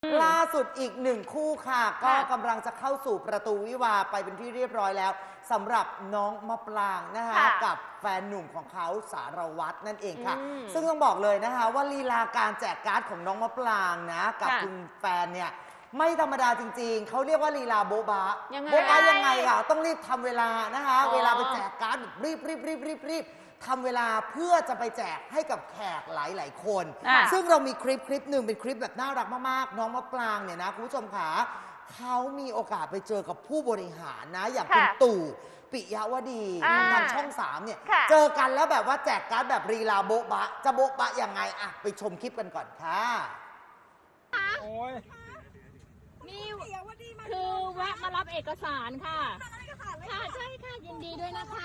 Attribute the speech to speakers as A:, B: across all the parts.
A: ล่าสุดอีกหนึ่งคู่ค่ะก็กำลังจะเข้าสู่ประตูวิวาห์ไปเป็นที่เรียบร้อยแล้วสำหรับน้องมะปรางนะคะกับแฟนหนุ่มของเขาสารวัตรนั่นเองค่ะซึ่งต้องบอกเลยนะคะว่าลีลาการแจกการ์ดของน้องมะปรางนะกับคุณแฟนเนี่ยไม่ธรรมดาจริงๆเขาเรียกว่าลีลาโบ๊ะบะโบ๊ะบะยังไงค่ะต้องรีบทำเวลานะคะเวลาไปแจกการ์ดรีบทำเวลาเพื่อจะไปแจกให้กับแขกหลายๆคนซึ่งเรามีคลิปหนึ่งเป็นคลิปแบบน่ารักมากๆน้องมะปรางเนี่ยนะคุณผู้ชมขาเขามีโอกาสไปเจอกับผู้บริหารนะอย่างคุณตู่ปิยวดีทางช่อง3เนี่ยเจอกันแล้วแบบว่าแจกการ์ดแบบลีลาโบ๊ะบะจะโบ๊ะบะยังไงอะไปชมคลิปกันก่อนค่ะ
B: โอ้ย
C: นี่คือแวะมารับเอกสารค่ะค่ะใช่ค่ะยินดีด้วยนะคะ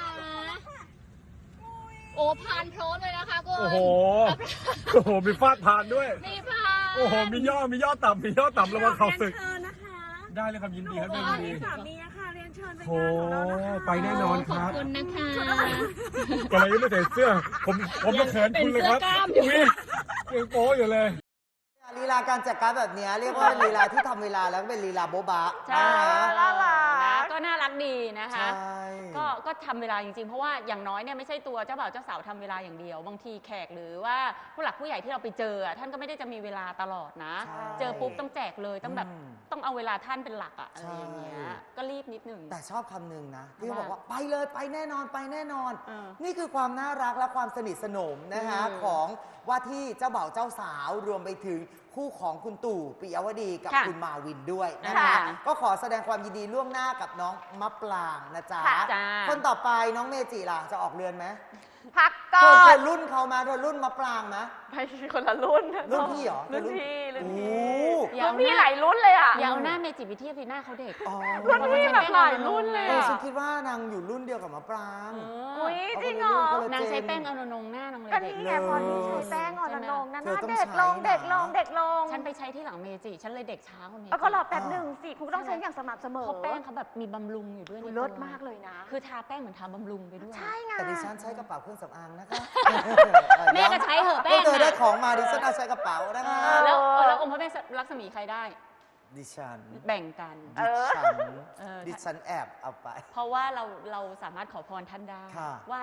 C: โอ้ผ่านโพลเลยนะคะคุณ
B: โอ้โหโอ้โหมีฟาดผ่านด้วย
C: มีผ่าน
B: โอ้โหมีย่อต่ำระวังเขาศึกได้เลยครับยินดีครับยินดี
D: สามีอะค่ะเรียนเชิญไป
B: โอ้ไปแน่นอนครับ
C: ขอบคุณนะคะ
B: ก็เลยยังไม่ใส่เสื้อผมจะเขินคุณเลยครับอุ้ยยังโป๊อยู่เลย
A: ลีลาการแจกการ์ดแบบนี้เรียกว่าลีลาที่ทำเวลาแล้วก็เป็นลีลาโบ๊ะบะ
C: ใช่
D: น่ารัก
C: ก็น่ารักดีนะคะ
A: ใช่
C: ก็ทำเวลาจริงๆเพราะว่าอย่างน้อยเนี่ยไม่ใช่ตัวเจ้าบ่าวเจ้าสาวทำเวลาอย่างเดียวบางทีแขกหรือว่าผู้หลักผู้ใหญ่ที่เราไปเจอท่านก็ไม่ได้จะมีเวลาตลอดนะเจอปุ๊บต้องแจกเลยต้องแบบต้องเอาเวลาท่านเป็นหลักอะอะไรอย่างเงี้ยก็รีบนิดหนึ่ง
A: แต่ชอบคำหนึ่งนะที่เขาบอกว่าไปเลยไปแน่นอนไปแน่นอน นี่คือความน่ารักและความสนิทสนมนะคะของว่าที่เจ้าบ่าวเจ้าสาวรวมไปถึงคู่ของคุณตู่ปิยวดีกับคุณมาวินด้วยนะคะก็ขอแสดงความยินดีล่วงหน้ากับน้องมะปรางนะจ๊ะคนต่อไปน้องเมจิล่ะจะออกเรือนไหม
D: พักก่อน
A: เธอรุ่นเขามาเธอรุ่นมะปรางนะ
D: ไม่คนละรุ่น
A: รุ่นพี่เหรอ
D: รุ่นพี่รุ่น
C: พี่
D: หลายรุ่นเลยอ่ะ
C: อย่าเอาหน้าเมจิไปเทียบหน้าเขาเด็ก
D: รุ่นพี่แบบหลายรุ่นเลย
A: ฉันคิดว่านางอยู่รุ่นเดียวกับมะปราง
D: อุ้ยจริงเหร
C: อนางใช้แป้งออนงหน้านางเลยเด็ก
D: นี่ไงพอนี่ใช้แป้งออนงนั่นเด็กลง
C: ฉันไปใช้ที่หลังเมจิฉันเลยเด็กช้ากว่าเมจิ
D: ก็รอแป๊บหนึ่งสิคุณต้องใช้อย่างสม่ำเสมอ
C: เพราะแป้งเขาแบบมีบำรุงอยู่ด้วย
D: เลิศมากเลยนะ
C: คือทาแป้งเหมือนทาบำรุงไปด้วย
D: ใช่ไง
A: แต่ดิฉันใช้กระเป๋าเครื่องสำอางนะคะ
C: แม่ก็ใช้เหอะแป้ง
A: เธอได้ของมาดิฉันเอาใช้กระเป๋านะคะ
C: แล้วองค์พระแม่ลักษมีใครได้
A: ดิฉัน
C: แบ่งกัน
A: ดิฉันแอบเอาไป
C: เพราะว่าเราสามารถขอพรท่านได้ว่า